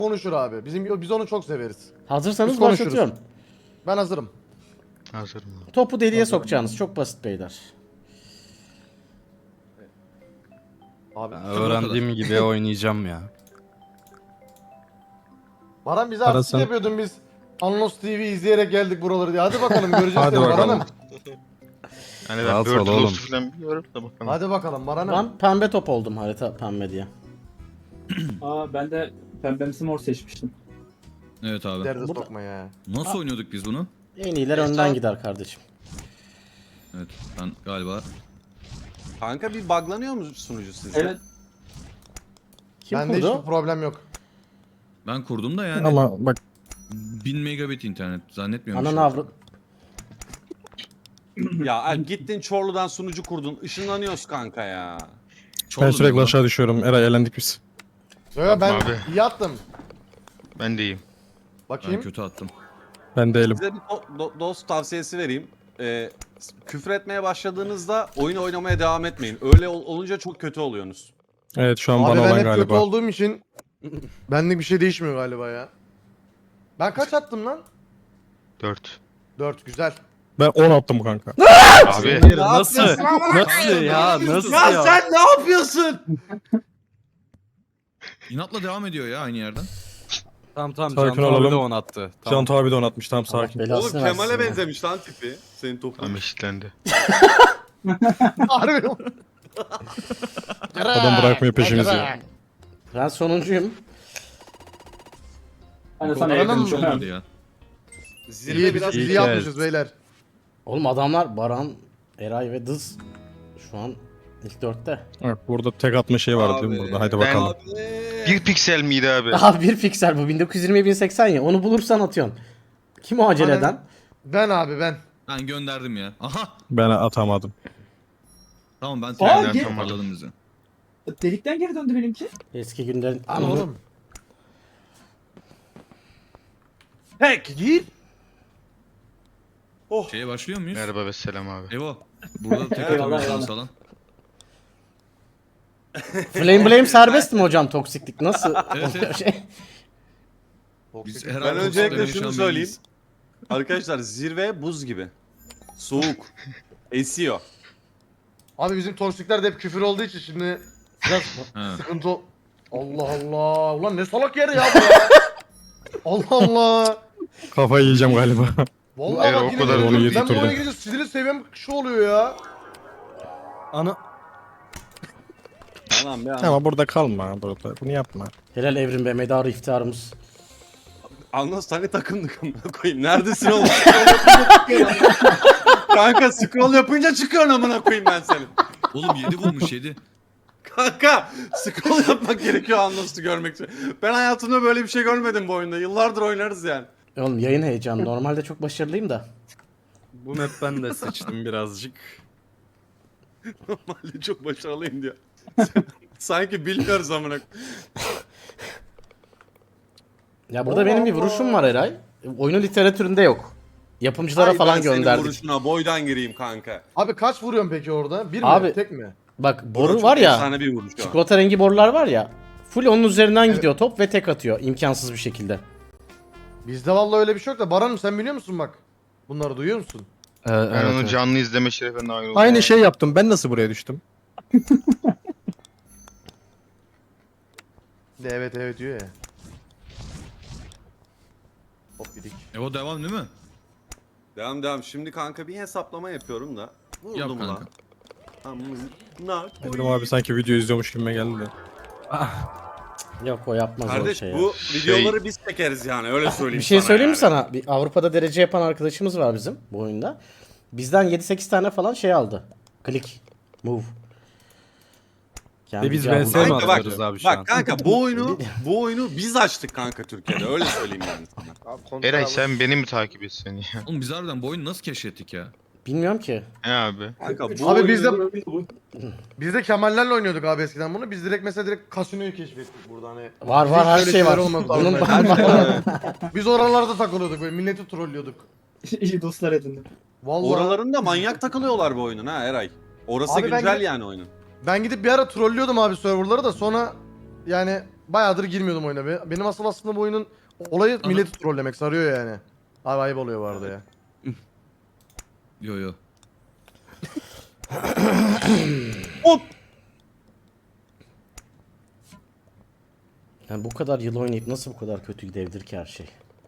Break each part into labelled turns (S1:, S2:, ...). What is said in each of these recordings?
S1: konuşur abi. Biz onu çok severiz.
S2: Hazırsanız
S1: Biz konuşuruz.
S2: başlatıyorum.
S1: Ben hazırım.
S3: Hazırım.
S2: Topu deliğe sokacağınız. Çok basit beyler.
S1: Abi.
S4: Öğrendiğim gibi oynayacağım ya.
S1: Baran bize
S4: Baran
S1: artistik
S4: sen-
S1: yapıyordun biz. Anlos TV izleyerek geldik buraları diye. Hadi bakalım göreceğiz
S4: Hadi
S1: seni
S4: bakalım.
S1: Baran'ım.
S3: Hani ben
S4: Rahat ol
S3: Bird
S4: oğlum.
S3: Lost'u falan biliyorum da bakalım.
S1: Hadi bakalım Baran'ım.
S2: Ben pembe top oldum harita pembe diye.
S5: Aa ben de pembemsi mor seçmiştim.
S6: Evet abi.
S1: Derde
S2: Burada-
S1: sokma ya.
S6: Nasıl oynuyorduk biz bunu?
S2: En iyiler önden gider kardeşim.
S6: Evet ben galiba.
S7: Kanka bir buglanıyor mu sunucu sizce?
S5: Evet.
S2: Kim
S1: Bende hiçbir
S2: kurdu?
S1: problem yok.
S6: Ben kurdum da yani
S4: Ama bak
S6: 1000 megabit internet zannetmiyorum.
S2: Ananı avrat.
S7: Ya Alp gittin Çorlu'dan sunucu kurdun. Işınlanıyoruz kanka ya.
S4: ben sürekli aşağı düşüyorum. Eray elendik biz.
S1: Yo, ben
S3: abi.
S1: iyi attım.
S3: Ben de iyiyim.
S6: Ben
S1: Bakayım.
S6: kötü attım.
S4: Ben değilim.
S7: Size bir dost tavsiyesi vereyim. Küfür etmeye başladığınızda oyun oynamaya devam etmeyin. Öyle olunca çok kötü oluyorsunuz.
S4: Evet şu an
S1: Abi
S4: bana
S1: ben
S4: olan
S1: hep kötü
S4: galiba.
S1: olduğum için benlik bir şey değişmiyor galiba ya. Ben kaç attım lan?
S3: 4.
S1: 4 güzel.
S4: Ben 10 attım kanka.
S3: Abi
S4: Nasıl? Nasıl ya? Nasıl ya?
S7: sen ne yapıyorsun?
S6: İnatla devam ediyor ya aynı yerden.
S8: Tamam tamam
S4: Sakin
S8: Can abi
S4: olalım.
S8: de onu attı.
S4: Can
S8: Tamam.
S4: abi de 10 atmış. Tamam
S2: Allah
S4: sakin.
S2: belasını
S7: Oğlum Kemal'e
S2: versin ya.
S7: benzemiş lan tipi. Senin topun.
S3: tam eşitlendi.
S1: Harbi.
S4: Adam bırakmıyor peşimizi.
S2: Ben sonuncuyum.
S5: Ben de sana
S1: Kullanalım
S5: yakın
S1: mı?
S5: şu an.
S6: Olmadı ya.
S7: Zirve
S1: İyi
S7: biraz
S1: biz
S4: iyi
S1: iyi
S4: ki
S1: yapmışız beyler.
S2: Oğlum adamlar Baran, Eray ve Dız şu an ilk dörtte.
S4: Bak burada tek atma şey var değil mi
S7: Abi,
S4: burada? Haydi
S3: ben-
S4: bakalım.
S3: Bir piksel miydi abi?
S2: Abi bir piksel bu 1920 1080 ya onu bulursan atıyorsun. Kim o acele eden?
S1: Ben abi ben.
S6: Ben gönderdim ya. Aha.
S4: Ben atamadım.
S6: Tamam ben
S5: Aa,
S6: trenden
S5: gel-
S6: toparladım bizi.
S5: Delikten geri döndü benimki.
S2: Eski günlerin...
S1: Lan oğlum.
S7: Pek gir.
S6: Şeye başlıyor muyuz?
S3: Merhaba ve selam abi.
S6: Evo. Burada tek
S5: Eyvallah,
S6: atabiliyorsunuz
S5: eyvallah.
S6: falan.
S2: Flame Blame serbest mi hocam toksiklik? Nasıl?
S6: Evet, evet.
S2: Şey.
S6: Biz
S7: Ben
S6: herhalde
S7: öncelikle
S6: toksiklerin
S7: şunu
S6: yaşam
S7: söyleyeyim.
S6: belliyiz.
S7: Arkadaşlar zirve buz gibi. Soğuk. Esiyor.
S1: Abi bizim toksikler de hep küfür olduğu için şimdi biraz
S6: Ha.
S1: sıkıntı Allah Allah. Ulan ne salak yer ya bu ya. Allah Allah.
S4: Kafayı yiyeceğim galiba.
S1: Vallahi
S3: Eğer
S1: bak
S3: o
S1: yine
S3: kadar
S1: ben
S4: onu
S1: bu
S4: yedirttirdim.
S1: oyuna girince sinirli seviyem şu oluyor ya.
S8: Ana
S7: Tamam be.
S4: Ama burada kalma burada. Bunu yapma.
S2: Helal Evrim be medarı iftiharımız.
S7: Anlas tane takımdık amına koyayım. Neredesin oğlum? Scroll yapınca çıkıyorsun. Kanka scroll yapınca çıkıyorsun amına koyayım ben seni.
S6: Oğlum 7 bulmuş 7.
S7: Kanka scroll yapmak gerekiyor Anlas'ı görmek için. Ben hayatımda böyle bir şey görmedim bu oyunda. Yıllardır oynarız yani.
S2: Oğlum yayın heyecanı. Normalde çok başarılıyım da.
S8: bu map ben de sıçtım birazcık.
S7: Normalde çok başarılıyım diyor. Sanki bilmiyoruz amına koyayım.
S2: Ya burada benim bir vuruşum var Eray. Oyunun literatüründe yok. Yapımcılara
S7: Ay,
S2: falan
S7: ben senin
S2: gönderdik.
S7: vuruşuna boydan gireyim kanka.
S1: Abi kaç vuruyorsun peki orada? Bir mi?
S2: Abi-
S1: Tek mi?
S2: Bak
S7: Orada
S2: boru
S7: çok
S2: var ya.
S7: efsane bir vuruş o.
S2: Çikolata rengi borular var ya. Full onun üzerinden gidiyor top ve tek atıyor. İmkansız bir şekilde.
S1: Bizde vallahi öyle bir şey yok da Baran'ım sen biliyor musun bak? Bunları duyuyor musun?
S3: Ben onu canlı izleme şerefine nail oldum.
S4: Aynı şey yaptım. Ben nasıl buraya düştüm?
S1: De evet evet diyor ya. Hop gidik.
S6: Evo devam değil mi?
S7: Devam. Şimdi kanka bir hesaplama yapıyorum da.
S6: Yap
S7: Vurdum
S6: kanka.
S7: lan. Amına
S4: Dedim
S7: koyayım.
S4: abi sanki video izliyormuş gibime geldi de.
S2: Yok o yapmaz o
S7: Kardeş
S2: şey ya.
S7: bu videoları biz çekeriz yani öyle söyleyeyim
S2: Bir şey söyleyeyim mi
S7: yani.
S2: sana? Bir Avrupa'da derece yapan arkadaşımız var bizim bu oyunda. Bizden 7-8 tane falan şey aldı. Click, move. Kendi
S8: biz
S2: cevabını-
S8: VS mi
S7: Kanka bak,
S8: atıyoruz abi şu an?
S7: bak kanka bu oyunu biz açtık kanka Türkiye'de öyle söyleyeyim yani sana.
S3: Eray sen beni mi takip etsen ya?
S6: Oğlum biz harbiden bu oyunu nasıl keşfettik ya?
S2: Bilmiyorum ki.
S3: He abi.
S7: Kanka bu
S1: Abi
S7: oyunu-
S1: biz de Kemallerle oynuyorduk abi eskiden bunu. Biz direkt mesela direkt kasinoyu keşfettik burada hani.
S2: Var
S1: Bizim
S2: var her
S1: öyle
S2: şey var.
S1: şeyler olmaz
S2: Bunun
S1: normalde. Biz oralarda takılıyorduk böyle milleti trollüyorduk.
S5: İyi dostlar edindim.
S1: Vallahi
S7: Oralarında manyak takılıyorlar bu oyunun ha Eray. Orası
S1: Abi ben
S7: güncel
S1: gidip-
S7: yani oyunun.
S1: ben gidip bir ara trollüyordum abi serverları da sonra yani bayağıdır girmiyordum oyuna be. Benim asıl aslında bu oyunun olayı
S6: Ana-
S1: milleti trollemek, sarıyor yani. Abi ayıp oluyor bu arada ya.
S6: Yo yo.
S2: Yani bu kadar yıl oynayıp nasıl bu kadar kötü gidebilir ki her şey?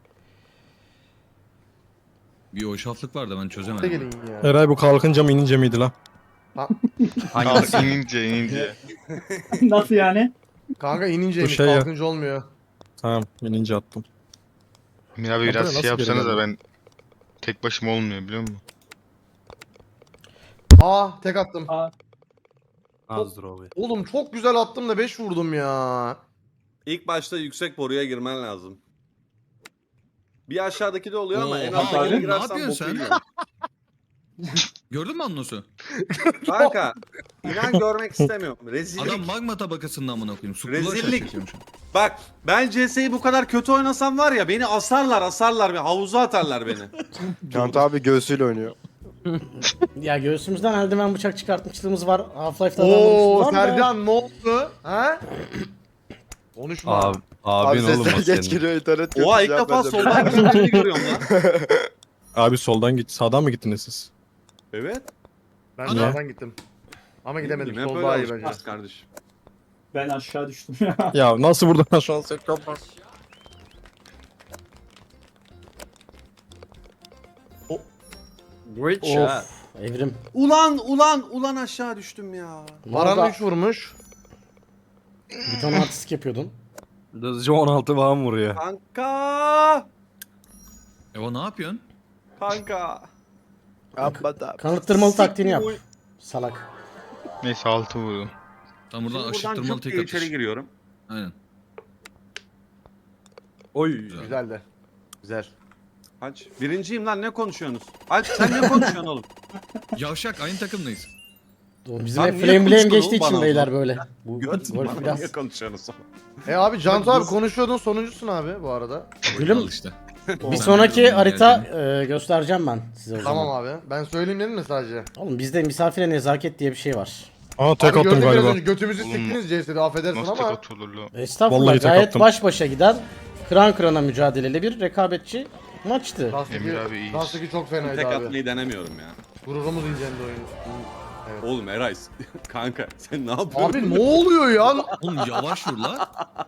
S6: Bir hoşaflık var da ben
S1: Ne
S6: çözemedim.
S1: gelin ya.
S4: Eray bu kalkınca mı inince miydi lan?
S3: Hangisi? inince.
S5: Nasıl yani?
S1: Kanka inince
S4: Bu şey ya.
S1: kalkınca olmuyor.
S4: Tamam inince attım.
S3: Emir abi
S4: Kapıda
S3: biraz
S4: nasıl
S3: şey yapsanız da
S4: geri
S3: ben tek başıma olmuyor biliyor musun?
S1: Tek attım.
S8: Azdır abi.
S1: Oğlum çok güzel attım da 5 vurdum ya.
S7: İlk başta yüksek boruya girmen lazım. Bir aşağıdaki de oluyor ama en
S6: Oha,
S7: alttakine
S6: oğlum, ne
S7: girersen
S6: yapıyorsun
S7: boku
S6: sen?
S7: yiyorsun.
S6: Gördün mü Annos'u?
S7: Kanka inan görmek istemiyorum. Rezillik.
S6: Adam magma tabakasında amına koyayım. Su
S7: Rezillik.
S6: çekiyormuş.
S7: Bak ben CS'yi bu kadar kötü oynasam var ya beni asarlar. Havuza atarlar beni.
S9: Kant abi göğsüyle oynuyor.
S2: Ya göğsümüzden eldiven bıçak çıkartmışlığımız var. Half-Life'da
S1: Oo
S2: var da.
S1: Sercan ne oldu? Ha? Konuşma.
S8: Abi
S9: Abi
S8: oğlum o
S9: sesler geç
S8: senin.
S9: geliyor internet kötü.
S7: Oha ilk
S9: cevap
S7: defa
S9: vereceğim.
S7: soldan gittiğini görüyorum lan.
S4: Abi soldan git. Sağdan mı gittiniz siz?
S7: Evet.
S1: Ben
S6: Ana.
S1: sağdan gittim. Ama gidemedim.
S7: Hep
S1: Sol
S7: böyle
S1: daha iyi bence.
S7: alışmışız kardeşim.
S5: Ben aşağı düştüm ya.
S4: Ya nasıl buradan aşağı set yapar?
S2: Of. Evrim.
S7: Ulan aşağı düştüm ya.
S1: Baran
S2: Valla
S1: 3 vurmuş.
S2: bir tane artistik yapıyordun.
S8: Hızlıca 16 falan vuruyor.
S7: Kanka.
S6: Eva ne yapıyorsun?
S7: Kanka.
S9: Amma da.
S2: Kanıttırmalı taktiğini yap.
S7: Oy.
S2: Salak.
S3: Neyse 6 vurdum.
S6: Tam buradan
S7: Buradan
S6: aşıttırmalı
S7: çok
S6: tek
S7: iyi
S6: atış.
S7: içeri giriyorum.
S6: Aynen.
S8: Oy.
S1: Güzel de. Güzel.
S7: Aç. Birinciyim lan ne konuşuyorsunuz? Aç sen ne konuşuyorsun oğlum?
S6: Yavşak aynı takımdayız.
S2: Oğlum bizim
S7: Lan
S2: hep
S7: niye
S2: flame blame
S7: konuştun
S2: geçtiği
S7: oğlum
S2: için
S7: bana o
S2: beyler
S7: zaman?
S2: böyle. Bu
S7: Göt
S2: golf
S7: bana
S2: biraz.
S7: niye konuşuyorsunuz?
S1: Abi Cantu abi konuşuyordun sonuncusun abi bu arada.
S2: Gülüm
S6: Al işte.
S2: bir
S6: Sen
S2: sonraki
S6: biliyorsun
S2: harita
S6: geldiğini.
S2: göstereceğim ben size o zaman.
S1: Tamam abi. Ben söyleyeyim dedim mi sadece?
S2: Oğlum bizde misafire nezaket diye bir şey var.
S4: Aa tek
S1: Abi
S4: attım
S1: gördün biraz
S4: galiba.
S1: önce götümüzü
S3: Oğlum,
S1: siktiniz CS'de affedersin
S3: Nasıl tek
S1: ama.
S3: atılır lan?
S2: Estağfurullah
S4: Vallahi tek
S2: gayet
S4: attım.
S2: baş başa giden kıran kırana mücadeleli bir rekabetçi maçtı.
S3: Emir abi iyiyiz.
S1: Lastaki çok fenaydı
S7: Tek
S1: abi.
S7: atmayı denemiyorum ya.
S1: Gururumuz incendi oyun.
S7: Oğlum Eray kanka sen ne yapıyorsun?
S1: Abi ne oluyor ya?
S6: Oğlum yavaş vur la.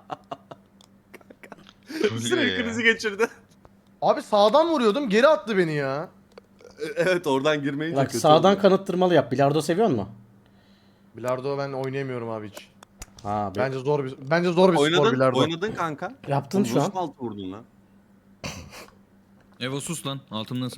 S3: Öyle
S7: Sinir
S3: ya.
S7: krizi geçirdi.
S1: Abi sağdan vuruyordum geri attı beni ya.
S7: Evet oradan girmeyince
S2: Bak
S7: kötü
S2: sağdan
S7: oluyor.
S2: kanıttırmalı yap. Bilardo seviyor musun?
S1: Bilardo ben oynayamıyorum abi hiç.
S2: Ha,
S1: Bence zor bir spor
S7: Oynadın,
S1: bilardo.
S7: oynadın kanka.
S2: yaptın şu an.
S7: Nasıl altı vurdun lan?
S6: Eva sus lan. Altımdasın.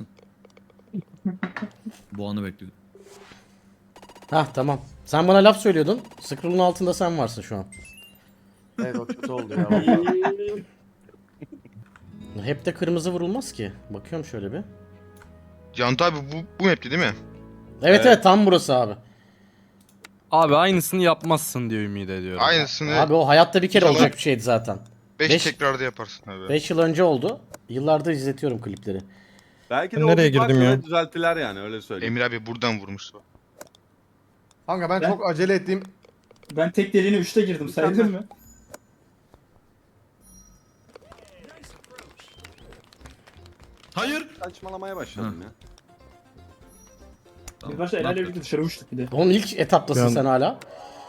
S6: Bu anı bekliyorum.
S2: Hah tamam. Sen bana laf söylüyordun. Scroll'un altında sen varsın şu an.
S1: Evet o kötü oldu ya. vallahi.
S2: Hep de kırmızı vurulmaz ki. Bakıyorum şöyle bir.
S3: Cantu abi bu map'ti değil mi?
S2: Evet evet tam burası abi.
S8: Abi aynısını yapmazsın diye ümit ediyorum.
S3: Aynısını
S2: Abi o hayatta bir kere
S3: İnşallah.
S2: olacak bir şeydi zaten.
S3: 5
S2: beş-
S3: tekrarda yaparsın abi.
S2: 5 yıl önce oldu. Yıllardır izletiyorum klipleri.
S7: Belki de
S4: Ben
S7: o
S4: nereye
S7: bir bug
S4: girdim ya?
S7: böyle düzelttiler yani öyle söyleyeyim.
S3: Emir abi buradan vurmuştu.
S1: Kanka ben
S5: Ben-
S1: çok acele ettim.
S5: Ben tek deliğine 3'te girdim sayılır mı?
S6: Hayır.
S7: Saçmalamaya başladım ya.
S6: Tamam,
S5: Bir başta
S6: ne
S5: Eren'le
S6: yapıyordun?
S5: birlikte dışarı uçtuk bir de.
S2: Oğlum ilk etaptasın
S4: Ben-
S2: sen hala.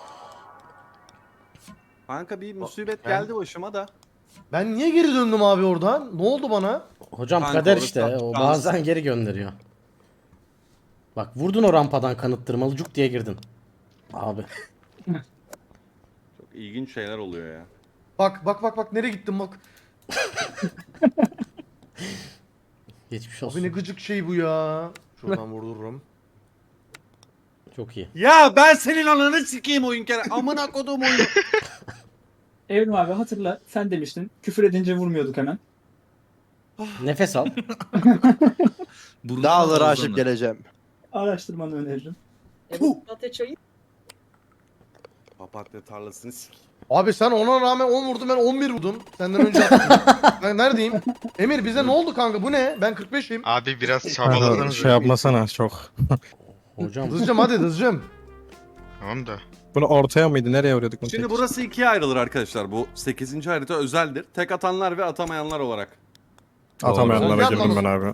S7: Kanka bir musibet
S1: Ben-
S7: geldi başıma da.
S1: Ben niye geri döndüm abi oradan? Ne oldu bana?
S2: Hocam
S7: Kanka
S2: kader
S7: orası
S2: işte.
S7: da-
S2: O bazen geri gönderiyor. Bak vurdun o rampadan kanıttırmalı cuk diye girdin. Abi.
S7: Çok ilginç şeyler oluyor ya.
S1: Bak nereye gittim bak.
S2: Geçmiş
S1: Abi ne
S2: olsun.
S1: gıcık şey bu ya. Şuradan vurdururum.
S2: Çok iyi.
S7: Ya ben senin ananı sikeyim oyun kere. Amına kodum oyunu.
S5: Evrim abi hatırla sen demiştin küfür edince vurmuyorduk hemen.
S2: Nefes al.
S6: Burnuna
S9: Dağları
S6: ağzına.
S9: aşıp geleceğim.
S5: Araştırmanı öneririm.
S7: Papatya tarlasını sik.
S1: Abi sen ona rağmen 10 vurdun ben 11 vurdum. Senden önce attım. Ben neredeyim? Emir bize ne oldu kanka bu ne? Ben 45'im.
S3: Abi biraz
S4: Kanka,
S3: çabalasanız.
S4: şey yapmasana çok.
S2: Hocam
S1: Hızlıcım hadi hızlıcım.
S3: Tamam da.
S4: Bunu ortaya mıydı? Nereye vuruyorduk bunu?
S7: Şimdi
S4: tek?
S7: burası ikiye ayrılır arkadaşlar. Bu 8. harita özeldir. Tek atanlar ve atamayanlar olarak.
S4: Atamayanlara
S1: Doğru.
S4: girdim ben abi.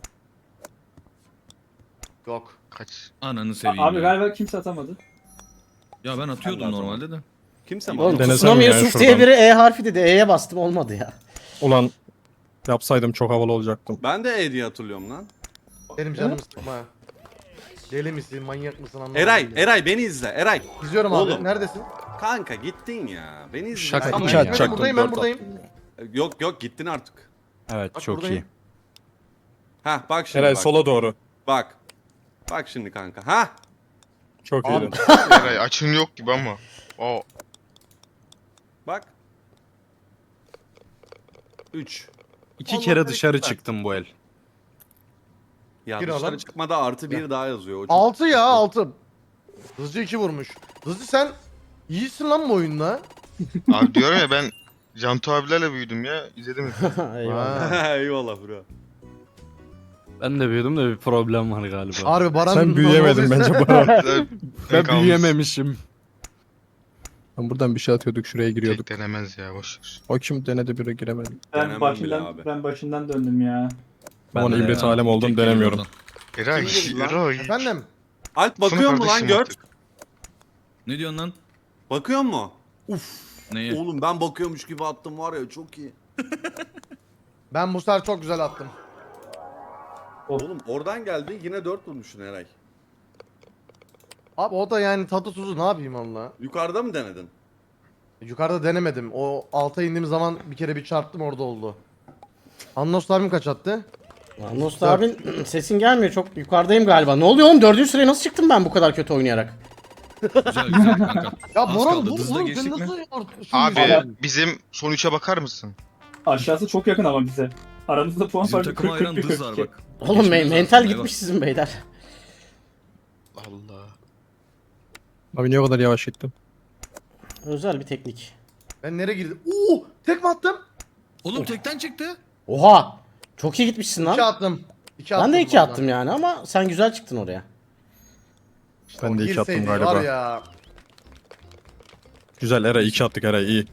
S1: Yok.
S3: Kaç?
S6: Ananı seveyim
S5: Abi
S6: ya.
S5: galiba kimse atamadı.
S6: Ya ben atıyordum normalde de.
S7: Kimse mi?
S2: Oğlum
S4: Denesem
S2: Tsunami
S4: ya
S2: Yusuf
S4: şuradan.
S2: diye biri E harfi dedi. E'ye bastım olmadı ya.
S4: Ulan yapsaydım çok havalı olacaktım.
S7: Ben de E diye hatırlıyorum lan.
S1: Benim canımı sıkma. Deli misin, manyak mısın anlamadım.
S7: Eray,
S1: ya.
S7: Eray beni izle. Eray.
S1: İzliyorum abi.
S7: Oğlum.
S1: Neredesin?
S7: Kanka gittin ya. Beni izle.
S8: Şaka
S7: Ben-
S8: mı
S4: İki
S8: ya?
S4: atacaktım,
S1: Buradayım ben
S4: dört
S1: buradayım.
S7: Yok yok gittin artık.
S8: Evet
S1: Bak
S8: çok
S1: buradayım.
S8: iyi.
S7: Hah bak şimdi
S4: Eray
S7: bak.
S4: sola doğru.
S7: Bak. Bak şimdi kanka. Hah.
S4: Çok
S1: Abi.
S4: iyiydin.
S3: Eray açın yok gibi ama. O
S7: Bak. 3.
S8: İki
S7: Allah
S8: kere dışarı
S7: bereket
S8: çıktım bu el.
S7: Ya
S1: Bir
S7: dışarı
S1: alan.
S7: çıkmada artı 1 daha yazıyor. O çok-
S1: 6 ya 6. Hızlı 2 vurmuş. Hızlı sen iyisin lan bu oyunda.
S3: abi diyorum ya ben Cantu abilerle büyüdüm ya. İzledim.
S2: Eyvallah.
S1: Ha.
S7: Eyvallah bro.
S8: Ben de büyüdüm de bir problem var galiba.
S1: Harbi Baran
S4: Sen büyüyemedin bence Baran.
S8: Ben büyüyememişim.
S4: Ben buradan bir şey atıyorduk şuraya giriyorduk.
S3: Tek denemez ya boş.
S4: O kim denedi biri giremedi.
S7: Denemem bile abi.
S5: Ben başından döndüm ya.
S4: Ben ona
S8: de
S4: ibret
S8: ya.
S4: alem oldum
S6: Tek
S4: denemiyorum.
S6: oradan.
S3: Eray,
S7: Kim girdi lan?
S3: Eray.
S1: Efendim?
S7: Alp bakıyor mu lan
S3: kardeşim
S7: gör?
S3: artık.
S6: Ne diyorsun lan?
S7: Bakıyor mu?
S6: Neye?
S7: Oğlum ben bakıyormuş gibi attım var ya çok iyi.
S1: Ben bu sefer çok güzel attım.
S7: Oğlum oradan geldi yine 4 vurmuşsun Eray.
S1: Abi o da yani tadı tuzu ne yapayım valla.
S7: Yukarıda mı denedin?
S1: Yukarıda denemedim. O alta indiğim zaman bir kere bir çarptım orada oldu. Annos abim kaç attı?
S2: Anlos abin sesin gelmiyor. Çok yukarıdayım galiba. Ne oluyor oğlum? 4. sıraya nasıl çıktım ben bu kadar kötü oynayarak?
S6: Güzel güzel kanka.
S1: Ya
S6: Az
S1: Boran
S6: kaldı,
S1: dur
S6: hızla
S1: oğlum sen
S6: geçtik mi?
S1: nasıl artık
S3: Abi bizim son 3'e bakar mısın?
S5: Aşağısı çok yakın ama bize. Aramızda puan
S6: Bizim
S5: farkı
S6: takıma ayıran
S5: 40
S6: dız var bak.
S2: Oğlum
S6: Geçmemiz
S2: mental
S6: lazım,
S2: gitmiş sizin beyler.
S3: Allah.
S4: Abi niye o kadar yavaş gittim?
S2: Özel bir teknik.
S1: Ben nereye girdim? Oo, tek mi attım?
S6: Oğlum tekten çıktı.
S2: Oha! Çok iyi gitmişsin
S1: 2
S2: lan.
S1: attım. 2
S2: Ben de 2 attım yani ama sen güzel çıktın oraya.
S4: Ben de 2 attım
S1: Girseydi
S4: galiba.
S1: Var ya.
S4: Güzel Eray 2 attık Eray iyi.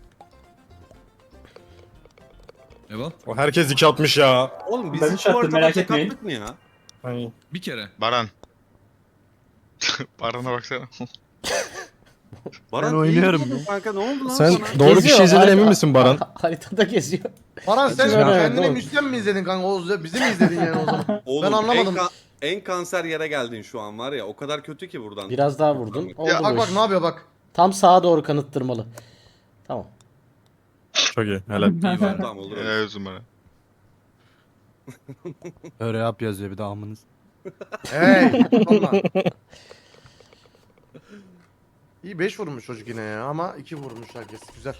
S6: Eyvah.
S4: O herkes 2 atmış ya.
S7: Oğlum biz
S5: Ben
S7: hiç
S5: üç attım,
S7: bu ortada
S5: merak
S7: tek
S5: etmeyin.
S7: attık mı ya?
S4: Ay.
S6: Bir kere.
S3: Baran. Baran'a baksana.
S7: Baran
S8: Ben oynuyorum
S7: iyi gidiyordun kanka ne oldu lan
S4: Sen
S7: sana?
S4: doğru bir
S2: Geziyor,
S4: şey izledin
S2: harita-
S4: emin misin Baran?
S2: Haritada geziyor.
S1: Baran sen
S2: Evet,
S1: kendine
S2: oğlum.
S1: müsten mi izledin kanka? O bizi mi izledin yani o zaman?
S7: Oğlum,
S1: Ben anlamadım.
S7: En kanser yere geldin şu an var ya o kadar kötü ki buradan.
S2: Biraz daha vurdun. Oldu
S1: Ya bak
S2: bu
S1: bak
S2: iş.
S1: ne yapıyor bak.
S2: Tam sağa doğru kanıttırmalı. Tamam.
S4: Çok iyi helal.
S7: İyi var tamam olur.
S3: Helal olsun bana.
S8: Öyle yap yazıyor bir de amınız.
S1: Hey. Valla. İyi 5 vurmuş çocuk yine ya ama 2 vurmuş herkes. Güzel.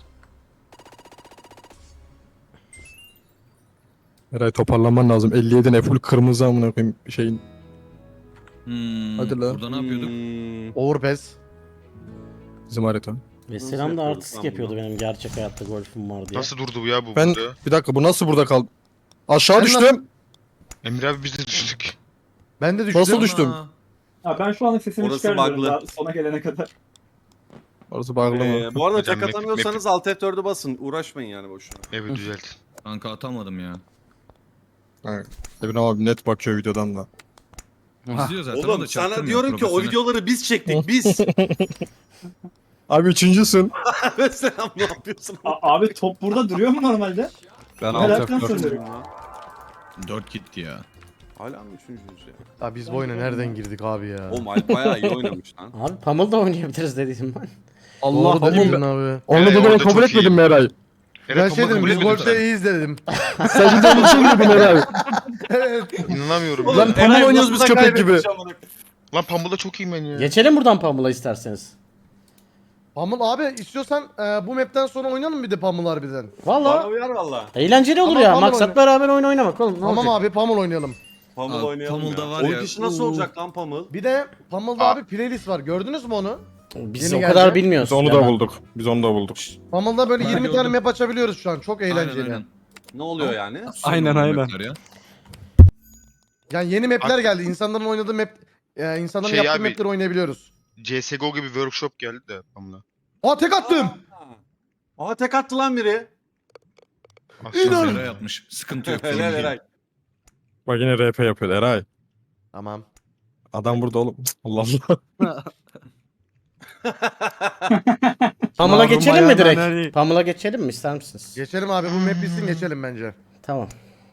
S4: Eray toparlanman lazım. 57 ne full kırmızı amına koyayım şeyin. Hadi la.
S6: Burada ne yapıyorduk?
S1: Overpass.
S4: Bizim harita.
S2: Ve
S7: Nasıl
S2: Selam da
S7: yapıyoruz
S2: artistik
S7: lan
S2: yapıyordu
S7: bunu?
S2: benim gerçek hayatta golfüm var diye.
S3: Nasıl durdu bu ya bu
S4: Ben
S3: burada?
S4: bir dakika bu nasıl burada kaldı? Aşağı
S1: Sen
S4: düştüm.
S3: Emir abi biz de düştük.
S1: Ben de düştüm.
S4: Nasıl düştüm?
S6: Aa,
S5: Ha, ben şu anda sesimi
S7: Orası
S5: çıkarmıyorum
S7: bug'lı.
S5: daha sona gelene kadar.
S4: Orası bağlı mı?
S7: Bu arada
S3: Hocam,
S7: tek atamıyorsanız Alt F4'ü basın. Uğraşmayın yani boşuna.
S3: Evet düzelt.
S6: Kanka atamadım ya.
S4: Evin abi net bakıyor videodan da.
S6: İzliyor zaten o
S7: Oğlum
S6: da
S7: sana
S6: çaktırmıyor,
S7: diyorum ki o
S6: profesyonel.
S7: videoları biz çektik biz.
S4: Abi üçüncüsün.
S7: Mesela ne yapıyorsun?
S5: Abi top burada duruyor mu normalde?
S8: Ben
S5: Meraktan
S8: alt F4.
S5: soruyorum.
S6: 4 gitti ya.
S7: Hala mı üçüncüyüz ya?
S1: Ya biz bu oyuna nereden girdik abi ya?
S7: Oğlum Alp bayağı iyi oynamış lan.
S2: Abi Pummel da oynayabiliriz dediydim ben.
S1: Allah
S4: Pamuk.
S1: dedin abi.
S4: Onu
S3: Eray
S4: dediğini
S3: orada
S4: kabul
S3: çok
S4: etmedin
S3: iyi.
S4: mi Eray?
S1: Ben
S3: Eray,
S1: şey dedim
S3: kabul
S1: biz
S3: etmedin
S1: golfte
S3: sen.
S1: iyiyiz dedim.
S4: Sen cidden bir şey mi dedin Eray?
S3: İnanamıyorum.
S7: Oğlum,
S3: Lan,
S4: Lan Pamuk oynuyoruz biz köpek gibi.
S3: lan Pambul'da çok iyiyim ben ya.
S2: Geçelim buradan Pummel'a isterseniz.
S1: Pummel abi istiyorsan bu map'ten sonra oynayalım bir de Pummel harbiden.
S7: Bana
S2: Valla
S7: uyar valla.
S2: eğlenceli olur
S1: Tamam,
S2: ya.
S1: Pummel
S2: Maksat
S1: oyna.
S2: beraber oyun oynamak oğlum. Ne
S1: Tamam
S2: olacak?
S1: abi Pummel oynayalım.
S7: Pamul
S6: Abi,
S7: oynayalım
S6: Pamul'da
S7: ya.
S6: var
S7: Oyun
S6: ya,
S7: dışı nasıl
S6: uu.
S7: olacak lan Pamul?
S1: Bir de Pummel'da abi playlist var. Gördünüz mü onu?
S2: Biz
S1: Yeni
S2: o kadar
S1: geldi.
S2: bilmiyoruz.
S4: Biz onu
S2: ya
S4: da
S2: ben-
S4: bulduk. Biz onu da bulduk.
S1: Pummel'da böyle
S6: Ben
S1: 20 tane
S6: gördüm.
S1: map açabiliyoruz şu an. Çok
S6: Aynen,
S1: eğlenceli.
S6: aynen.
S7: Ne oluyor yani?
S8: Aynen, aynen.
S6: Mapler ya.
S1: Yani yeni map'ler geldi. İnsanların oynadığı map insanların
S3: Şey
S1: yaptığı
S3: abi-
S1: map'leri oynayabiliyoruz.
S3: CSGO gibi workshop geldi de Pambul'a.
S1: Aa tek attım.
S7: Aa tek attı lan biri.
S3: Aslında
S6: Eray yapmış. Sıkıntı yok. sorun
S7: Helal
S6: değil.
S7: Eray.
S4: Bak yine RP yapıyor Eray.
S1: Tamam.
S4: Adam burada oğlum. Cık, Allah Allah.
S2: Pamela
S8: Mahrum
S2: geçelim mi
S8: ayağından
S2: direkt?
S8: hani-
S2: Pamela geçelim mi ister misiniz?
S1: Geçelim abi bu map bitsin geçelim bence.
S2: Tamam.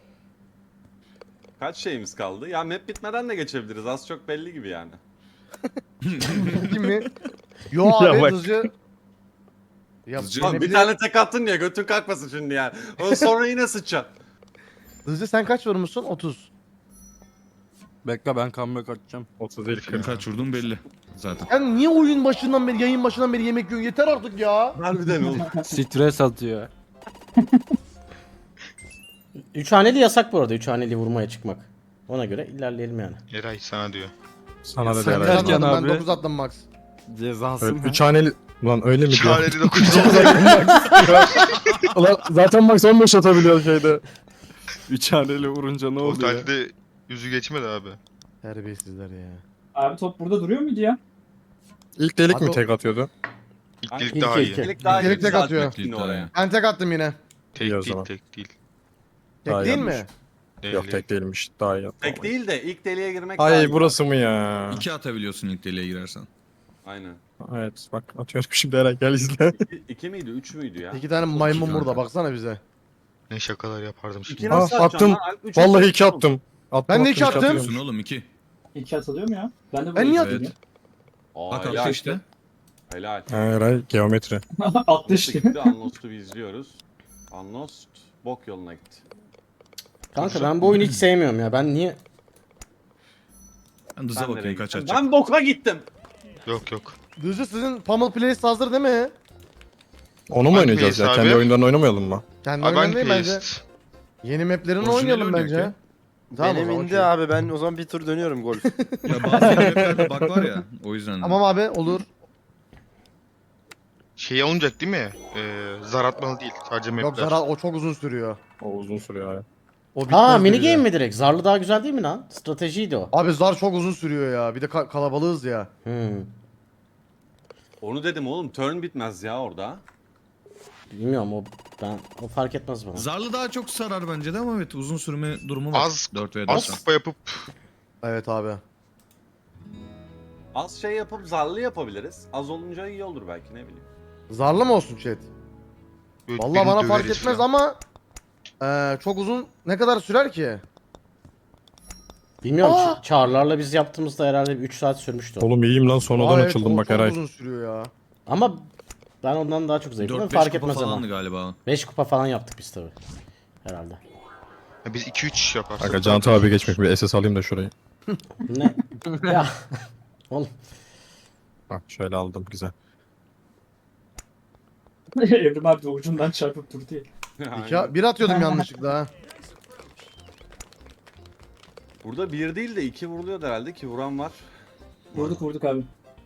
S7: Kaç şeyimiz kaldı? Ya map bitmeden de geçebiliriz. Az çok belli gibi yani.
S1: Kim mi? Yo
S4: Ya
S1: abi
S4: bak.
S1: hızlıca. Ya
S6: Hızlıca-
S7: Lan bir tane tek attın ya götün kalkmasın şimdi yani. O sonra yine sıçacaksın.
S1: Hızlı sen kaç vurmuşsun? 30.
S8: Bekle ben comeback atacağım.
S4: 30 değil
S6: Senin
S4: 40.
S6: kaç vurdun belli. Zaten.
S1: Sen niye oyun başından beri, yayın başından beri yemek yiyorsun? Yeter artık ya.
S7: Harbiden oğlum.
S8: Stres atıyor.
S2: 3 haneli yasak bu arada. 3 haneli vurmaya çıkmak. Ona göre ilerleyelim yani.
S3: Eray sana diyor.
S4: Sana da
S8: Sen
S4: Eray.
S8: gel.
S1: Ben
S8: Erken
S1: attım, ben
S8: abi.
S1: 9 attım max.
S8: Cezası
S4: Evet,
S8: mı?
S4: 3 haneli... Lan öyle mi diyor?
S3: Çareli 9
S4: Ulan zaten Max 15 atabiliyor şeyde.
S8: 3 haneli vurunca ne oluyor?
S3: Totalde de yüzü geçmedi abi.
S1: Terbiyesizler ya.
S5: Abi top burada duruyor muydu ya?
S4: İlk delik
S1: Abi
S4: mi
S1: o-
S4: tek atıyordu?
S3: İlk
S7: Ay,
S3: delik
S2: ilk
S3: daha iyi.
S2: ilk.
S7: Delik daha
S1: Delik
S7: iyi
S1: tek
S7: zaten
S1: atıyor.
S7: yine oraya.
S1: Ben tek attım yine.
S3: Tek
S4: İyi o
S3: değil,
S4: zaman.
S3: tek değil.
S1: Tek
S4: Daha
S1: değil
S4: yanlış.
S1: mi?
S3: Değil,
S4: Yok
S3: değil.
S4: tek değilmiş. Daha iyi.
S7: Tek değil de ilk deliğe girmek daha
S4: Ay
S7: iyi.
S4: burası mı ya?
S6: 2 atabiliyorsun ilk deliğe girersen.
S7: Aynen.
S4: Evet bak atıyorum şimdi Eray gel izle.
S7: İki miydi? Üç müydü ya?
S1: 2 tane maymun
S6: İki
S1: burada
S6: kanka.
S1: baksana bize.
S3: Ne şakalar yapardım şimdi.
S7: İki nasıl
S4: Ah,
S7: atacaksın
S4: attım.
S7: lan? Alp, üç
S4: Vallahi
S7: atacaksın
S4: 2
S7: oğlum.
S4: attım.
S1: Ben de iki
S4: iki
S1: attım.
S4: atıyorum.
S6: Atıyorsun oğlum 2.
S5: 2 atılıyor mu ya? Ben de
S1: Ben niye
S5: atayım
S6: Evet.
S7: Aa,
S6: Bak
S7: helal.
S6: attı işte.
S7: Helal.
S4: Ha, Eray geometri.
S5: ya. Attı
S7: İşte
S5: işte.
S7: gitti. Unlost'u biz izliyoruz. Unlost bok yoluna gitti.
S2: Kanka ben bu oyunu hiç sevmiyorum ya. Ben niye...
S6: Ben hıza
S7: Ben nereye
S6: bakayım kaç
S7: gittim?
S6: atacak.
S7: Ben boka gittim.
S3: Yok yok.
S1: Hızlı sizin Pummel Playlist hazır değil mi?
S4: Onu mu
S3: Hangi
S4: oynayacağız ya?
S3: Playlist
S4: Kendi
S3: abi?
S4: oyundan oynamayalım mı?
S1: Kendi
S3: Abi hangi
S1: oyundan değil bence.
S3: playlist?
S1: Yeni maplerini
S6: Orijinali
S1: oynayalım
S6: oynuyor
S1: bence.
S6: ki.
S1: Tamam, o
S9: Benim
S1: zaman
S9: indi
S1: okey.
S9: abi ben o zaman bir tur dönüyorum golf.
S6: Ya bazı yerlerde bug var ya. O yüzden.
S1: Tamam abi olur.
S3: Şey olacak değil mi? Zar atmalı değil. Sadece mapler.
S1: Yok Zara o çok uzun sürüyor.
S4: O uzun sürüyor ya.
S1: O bitmez
S2: Aa mini
S1: bize.
S2: game mi direkt? Zarlı daha güzel değil mi lan? Stratejiydi o.
S1: Abi Zar çok uzun sürüyor ya. Bir de kalabalığız ya.
S7: Onu dedim oğlum turn bitmez ya orada.
S2: Bilmiyorum o fark etmez bana.
S6: Zarlı daha çok sarar bence de ama evet uzun sürme durumu var.
S3: Az-
S6: 4 ve
S3: Az
S6: 4.
S3: kupa yapıp
S1: Evet abi.
S7: Az şey yapıp zarlı yapabiliriz. Az olunca iyi olur belki ne bileyim.
S1: Zarlı mı olsun chat?
S3: böyle
S1: Vallahi
S3: birini
S1: bana fark
S3: döveriz
S1: etmez
S3: falan.
S1: ama çok uzun ne kadar sürer ki?
S2: Bilmiyorum
S1: Aa!
S2: çağrılarla biz yaptığımızda herhalde 3 saat sürmüştü o.
S4: Oğlum iyiyim lan sonradan
S1: Aa, evet,
S4: açıldım
S1: o
S4: bak
S1: çok
S4: Eray.
S1: uzun sürüyor ya.
S2: Ama ben ondan daha çok zevk alıyorum.
S6: 4-5
S2: Fark
S6: kupa
S2: etmez
S6: falandı
S2: ama.
S6: galiba.
S2: 5 kupa falan yaptık biz tabi. Herhalde.
S3: Ya biz 2-3 yaparsak.
S4: Kanka Cantu abi geçmek bir SS alayım da şurayı.
S2: Ne? Ya. Oğlum.
S4: Bak şöyle aldım güzel.
S5: Evrim abi de ucundan çarpıp durdu ya.
S1: Bir atıyordum yanlışlıkla ha.
S7: Burada bir değil de iki vuruluyor herhalde ki vuran var.
S5: Vurduk abi.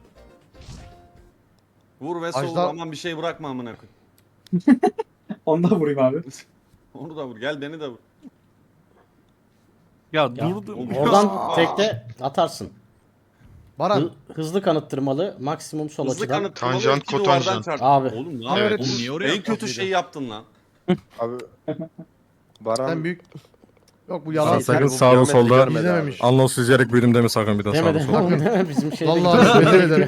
S7: Vur ve sol
S1: Ajda-
S7: aman bir şey bırakma amına koy.
S5: Ondan vurayım abi.
S7: Onu da vur gel beni de vur.
S8: Ya durdu.
S7: oğlum.
S2: Oradan tekte atarsın.
S1: Baran.
S2: Hızlı kanıttırmalı, maksimum sol
S7: Hızlı
S2: açıdan.
S7: kanıtlamalı
S3: Tanjant,
S7: iki duvardan
S3: kotanjant.
S7: çarp.
S2: Abi.
S7: Oğlum ne
S1: Evet.
S7: yapıyorsun?
S6: Oğlum niye oraya
S7: En
S6: yaptın?
S7: kötü şeyi yaptın lan.
S9: Abi
S1: Sen
S9: Baran
S1: büyük... Yok bu
S4: Lan
S1: yalan.
S4: sakın
S9: bu
S4: sağda
S9: geometri
S4: solda
S9: görmedi abi.
S1: İzlememiş.
S4: Anlos izleyerek büyüdüm deme sakın bir daha
S2: Deme
S4: sağda
S2: de
S4: solda.
S2: oğlum deme bizim şeyde
S1: Vallahi
S2: gidiyor.
S1: özür dilerim.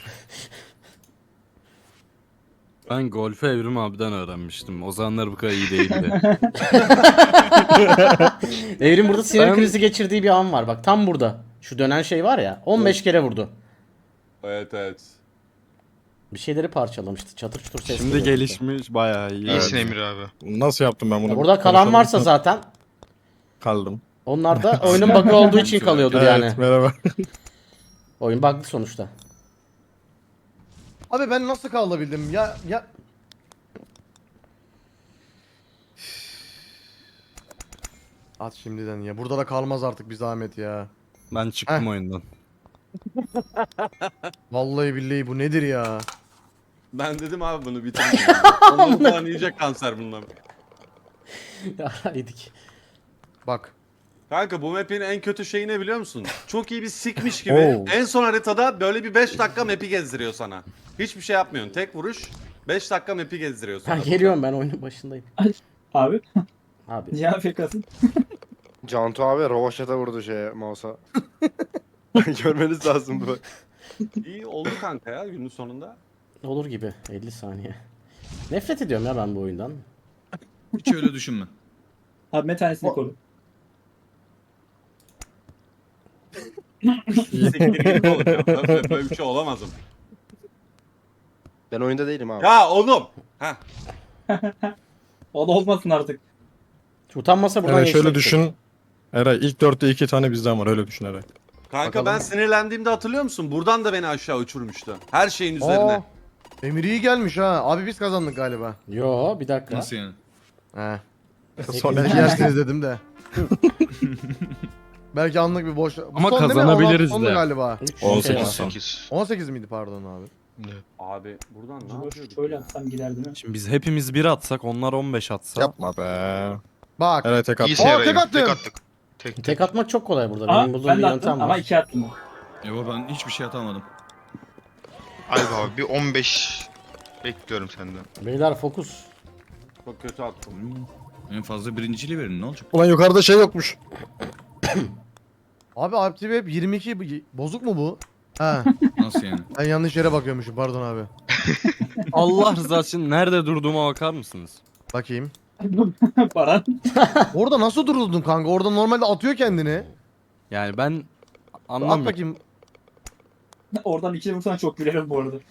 S8: Ben golfü Evrim abiden öğrenmiştim. O zamanlar bu kadar iyi değildi.
S2: Evrim burada sinir
S8: Ben-
S2: krizi geçirdiği bir an var. Bak tam burada. Şu dönen şey var ya. 15 kere vurdu.
S7: Evet.
S2: Bir şeyleri parçalamıştı. Çatır çutur ses
S8: Şimdi
S2: geliyordu.
S8: gelişmiş bayağı iyi.
S3: İyisin Emir abi.
S4: Nasıl yaptım ben bunu?
S2: Ya burada kalan
S4: Konuşalım.
S2: varsa zaten
S4: Kaldım.
S2: onlar da oyunun bug'ı olduğu için kalıyordur
S4: Evet
S2: yani.
S4: merhaba.
S2: Oyun bug'lı sonuçta.
S1: Abi ben nasıl kalabildim ya. At şimdiden ya. Burada da kalmaz artık bir zahmet ya.
S8: Ben çıktım
S1: Heh.
S8: oyundan.
S1: Vallahi billahi bu nedir ya?
S7: Ben dedim abi bunu bitirin. Ondan falan yiyecek kanser bundan.
S2: Ya yedik.
S1: Bak.
S7: Kanka bu map'in en kötü şeyi ne biliyor musun? Çok iyi bir sikmiş gibi.
S2: Oo.
S7: En son haritada böyle bir 5 dakika map'i gezdiriyor sana. Hiçbir şey yapmıyorsun. Tek vuruş 5 dakika map'i gezdiriyor
S2: Ha,
S7: sana.
S2: geliyorum ben oyunun başındayım.
S5: Abi
S2: Abi.
S5: niye AFK'sın?
S9: Cantu abi rovaşata vurdu mouse'a. Görmeniz lazım bu.
S7: İyi oldu kanka ya günün sonunda.
S2: Olur gibi 50 saniye. Nefret ediyorum ya ben bu oyundan.
S6: Hiç öyle düşünme.
S5: Abi bir tanesini koru.
S7: Siktir git oğlum ya. Böyle bir şey olamazım.
S9: Ben oyunda değilim abi.
S7: Ya oğlum. Heh.
S5: O da olmasın artık.
S2: Utanmasa buradan
S4: Eray şöyle
S2: geçecektik.
S4: düşün. Eray ilk 4'te 2 tane bizden var öyle düşün Eray.
S7: Kanka
S1: Bakalım.
S7: ben sinirlendiğimde hatırlıyor musun? Buradan da beni aşağı uçurmuştu. Her şeyin üzerine.
S1: Aa, Emir iyi gelmiş ha. Abi biz kazandık galiba.
S2: Yo bir dakika.
S6: Nasıl yani?
S1: He.
S2: Sonra-
S1: Belki yersiniz dedim de. Belki anlık bir boş... Bu
S8: Ama
S1: son değil mi?
S8: kazanabiliriz
S1: 16 sondu
S8: de.
S1: galiba.
S4: 18
S2: son.
S3: 18.
S1: 18 miydi pardon abi?
S7: Abi buradan ne yapıyorduk?
S5: Şöyle atsam gider değil mi?
S8: Şimdi biz hepimiz 1 atsak onlar 15 atsa.
S4: Yapma be.
S1: Bak.
S4: Eray tek
S3: İyi
S4: attı.
S1: Aa,
S3: Eray'ım.
S1: tek attım.
S3: Tek attık. Tek.
S2: Tek atmak çok kolay burada.
S5: Aa,
S2: Benim bulduğum
S5: ben
S2: bir
S5: de
S2: yöntem
S5: attım ama
S2: var.
S5: 2 attım.
S6: Yo ben hiçbir şey atamadım.
S3: Alp abi bir 15 bekliyorum senden.
S2: Beyler fokus.
S7: Çok kötü attım.
S6: En fazla birinciliği verin ne olacak?
S4: Ulan yukarıda şey yokmuş.
S1: Abi Alp TV hep 22 bozuk mu bu? Ha.
S6: Nasıl yani?
S1: Ben yanlış yere bakıyormuşum pardon abi.
S8: Allah rızası için nerede durduğuma bakar mısınız?
S1: Bakayım.
S5: Baran.
S1: Orada nasıl duruldun kanka? Orada normalde atıyor kendini.
S8: Yani ben
S1: At
S8: anlamıyorum.
S1: bakayım.
S5: Oradan 2 vursan çok gülerim bu arada.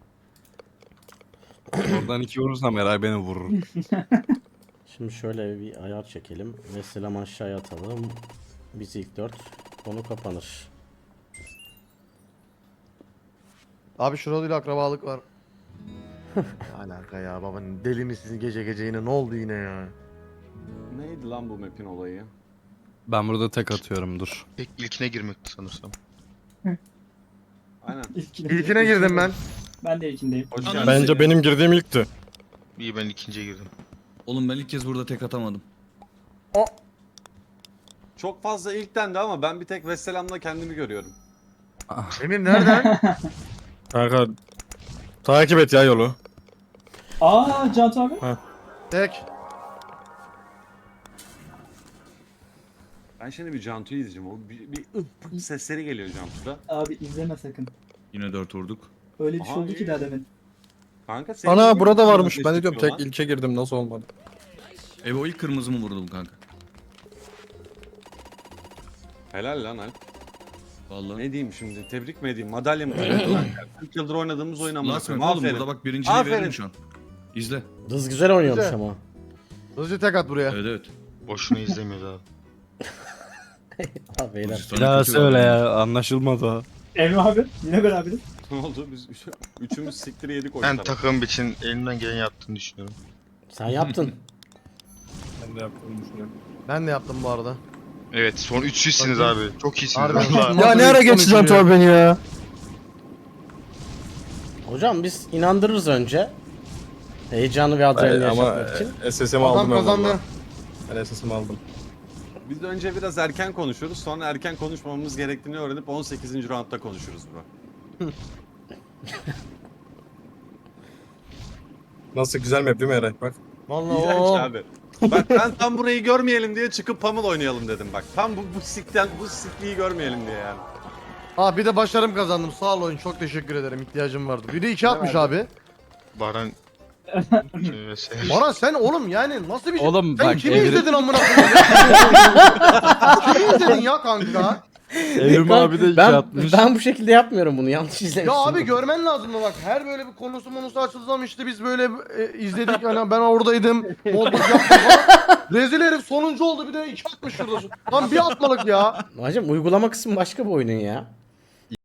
S8: Oradan 2 vurursam Eray beni vurur.
S2: Şimdi şöyle bir ayar çekelim. Ve selam aşağıya atalım. Biz ilk 4. Konu kapanır.
S1: Abi şurada akrabalık var. Alaka ya baba deli misiniz gece gece yine ne oldu yine ya?
S7: Neydi lan bu map'in olayı?
S8: Ben burada tek atıyorum dur.
S3: Tek ilkine girmekti sanırsam.
S7: Aynen.
S1: İlkine girdim ben.
S5: Ben de ilkindeyim.
S7: Hoş
S6: Ananı
S7: geldin.
S4: Bence
S6: seveyim.
S4: benim girdiğim ilkti.
S3: İyi ben ikinciye girdim.
S6: Oğlum ben ilk kez burada tek atamadım.
S7: Çok fazla ilk dendi ama ben bir tek Vesselam'la kendimi görüyorum.
S1: Emir nereden?
S4: Kanka takip et ya yolu.
S5: Aa Cantu abi.
S1: Tek.
S7: Ben şimdi bir Cantu'yu izleyeceğim. O bir sesleri geliyor Cantu'da.
S5: Abi izleme sakın.
S6: Yine 4 vurduk.
S5: Öyle bir şey
S7: Aha,
S5: oldu ki
S7: iyi.
S5: daha demin.
S7: Kanka senin
S4: Ana
S7: niye
S4: burada
S7: bu kadar
S4: varmış. Ben de diyorum
S7: çıkıyor
S4: tek ilke girdim nasıl olmadı.
S6: O ilk kırmızımı vurdum kanka.
S7: lan? Helal lan Alp.
S6: Vallahi.
S7: Ne diyeyim şimdi? Tebrik mi edeyim? Madalya mı takayım? 40 yıldır oynadığımız oyun amına
S6: Last
S7: koyayım.
S6: map oğlum
S7: Aferin.
S6: burada bak birinciliği
S7: Aferin.
S6: veririm şu an. İzle.
S2: Dız güzel oynuyormuş
S1: Güzel.
S2: ama.
S1: Hızlıca tek at buraya.
S6: Evet evet.
S3: Boşuna izlemiyoruz abi.
S2: Ha beyler.
S6: Pozisyonu
S8: Bir daha
S6: kötü
S8: söyle
S6: var.
S8: ya anlaşılmadı o.
S5: Emre abi yine beraberiz.
S7: Ne oldu? Biz üçümüz siktir yedik
S3: Ben
S7: oyunları.
S3: takım için elimden gelen yaptığını düşünüyorum.
S2: Sen yaptın.
S4: Ben de yaptığımı düşünüyorum.
S1: Ben de yaptım bu arada.
S3: Evet son 300'siniz abi. Çok iyisiniz
S1: Harbiden.
S3: valla.
S4: Ya ne ara geçeceğim tabi beni ya.
S2: Hocam biz inandırırız önce. Heyecanı ve adrenalini
S4: Ama
S2: yaşatmak için.
S4: SS'imi
S1: Adam
S4: aldım ben
S1: kazandı.
S4: valla. Ben SS'imi aldım.
S7: Biz de önce biraz erken konuşuyoruz. Sonra erken konuşmamamız gerektiğini öğrenip 18. roundda konuşuruz bro.
S4: Nasıl güzel map değil mi Eray? Bak.
S1: Vallahi
S7: İğrenç
S1: o.
S7: abi. Bak ben tam burayı görmeyelim diye çıkıp Pummel oynayalım dedim bak. Tam bu sikliği görmeyelim diye yani.
S1: Aa bir de başarım kazandım. Sağ ol oyun. Çok teşekkür ederim. İhtiyacım vardı. Biri 2 atmış abi.
S3: Baran... Şey,
S1: Baran sen oğlum yani nasıl bir
S8: Oğlum
S1: sen
S8: bak,
S1: kimi
S8: Emre-
S1: izledin amına koyayım? ya? Kimi izledin ya kanka?
S8: Evrim abi de iki
S2: ben,
S8: atmış.
S2: ben bu şekilde yapmıyorum bunu. Yanlış izlemişsin.
S1: Ya abi görmen lazım bak. Her böyle bir konusu açıldığı zaman işte biz böyle izledik. Hani ben oradaydım. Modluk yaptım falan. Rezil herif sonuncu oldu bir de 2 atmış şurada. Tam bir atmalık ya.
S2: Hacım uygulama kısmı başka bir oyunun ya.